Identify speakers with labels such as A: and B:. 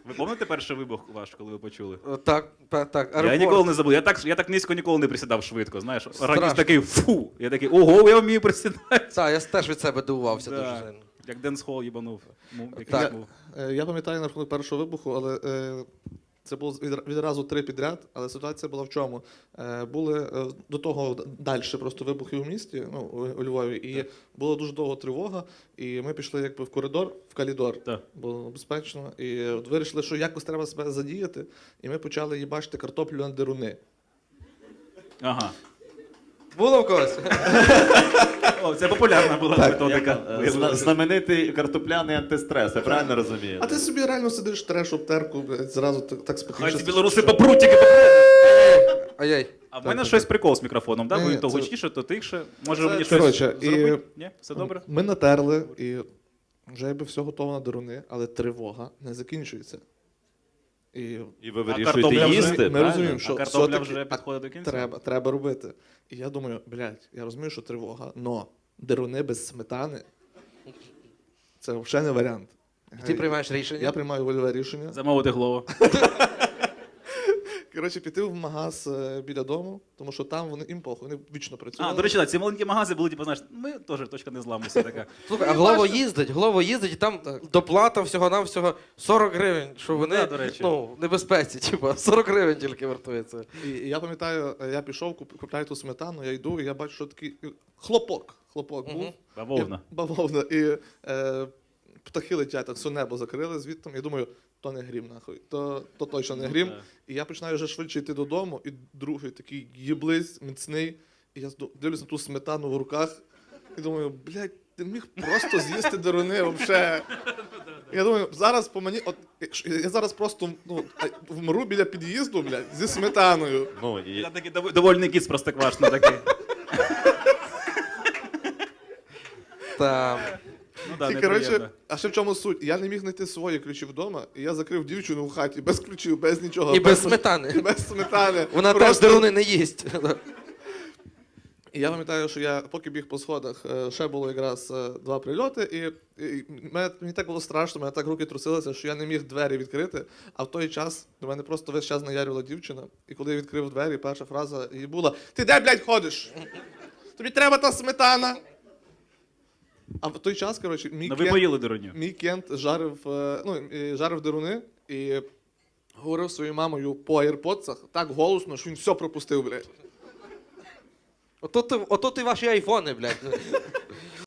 A: Ви пам'ятаєте перший вибух ваш, коли ви почули?
B: Так.
A: Я ніколи не забув. Я так низько ніколи не присідав швидко, знаєш. Організм такий фу. Я такий, ого, я вмію присідати.
B: Так, я теж від себе дивувався дуже
A: Да.
B: сильно.
A: Як Денс Холл їбанув.
B: Так.
C: Я пам'ятаю на рахунок першого вибуху, але це було відразу 3 підряд, але ситуація була в чому? Були до того далі просто вибухи у місті, ну, у Львові, і була дуже довга тривога, і ми пішли якби в коридор, в калідор,
A: Так.
C: було безпечно, і от вирішили, що якось треба себе задіяти, і ми почали їбачити картоплю на деруни.
A: Ага.
B: Було в когось?
A: О, це популярна була методика.
D: Знаменитий картопляний антистрес, я правильно розумію?
C: А ти собі реально сидиш, треш обтерку, блядь, зразу так спокійно.
A: Хай ці білоруси по прутики.
B: Ай-яй.
A: А в мене щось прикол з мікрофоном, так?
C: Ні,
A: Ви то
C: це-
A: гучніше, то тихше. Може
C: Це-
A: мені щось
C: коротше,
A: зробити? Ні? Все добре?
C: Ми натерли, і вже якби все готово на деруни, але тривога не закінчується. І
D: І ви
A: картопля
D: вирішуєте
A: вже-
D: їсти,
C: ми
D: правильно?
C: розуміємо, що
A: А картопля
C: все-таки
A: вже підходить до кінця?
C: треба робити. І я думаю, блядь, я розумію, що тривога, но деруни без сметани – це взагалі не варіант.
B: Ти приймаєш рішення?
C: Я приймаю вольове рішення.
A: Замовити голову.
C: Коротше, піти в магаз біля дому, тому що там вони їм похуй, вони вічно працювали.
A: А, до речі, ці маленькі магази були, типу, знаєш, ми теж точка не зламу, все така.
B: Слухай, а Глово їздить, і там доплата всього-навсього 40 гривень, що вони,
A: Да, до речі.
B: ну, в небезпеці, типу, 40 гривень тільки вартується.
C: І я пам'ятаю, я пішов, купляю ту сметану, я йду, і я бачу, що такий хлопок був.
A: Бавовна.
C: Бавовна. І птахи летять, так все небо закрили звідти. Я думаю, то не грім, нахуй, то точно не грім.
A: так.
C: І я починаю вже швидше йти додому, і другий такий єблись, міцний. І я дивлюсь на ту сметану в руках і думаю, блядь, ти міг просто з'їсти деруни взагалі. Я думаю, зараз по мені, я зараз просто вмру біля під'їзду, блядь, зі сметаною.
D: Ну, і...
A: Я такий довольний кіт з простоквашино такий.
B: Там.
A: Ну да,
C: І,
A: неприємно.
C: коротше, а ще в чому суть? Я не міг знайти свої ключі вдома, і я закрив дівчину в хаті без ключів, без нічого.
B: І без сметани.
C: І без сметани.
B: Вона теж
C: Просто-
B: деруни не їсть.
C: І я пам'ятаю, що я поки біг по сходах, ще було якраз 2 прильоти, і мені так було страшно, мене так руки трусилися, що я не міг двері відкрити, а в той час до мене просто весь час наярювала дівчина, і коли я відкрив двері, перша фраза її була: "Ти де, блядь, ходиш? Тобі треба та сметана!" А в той час, коротше,
A: Ну ви поїли дурню.
C: мій кент жарив деруни і говорив своєю мамою по AirPods'ах так голосно, що він все пропустив, блядь.
B: Ото ти ваші айфони, блядь.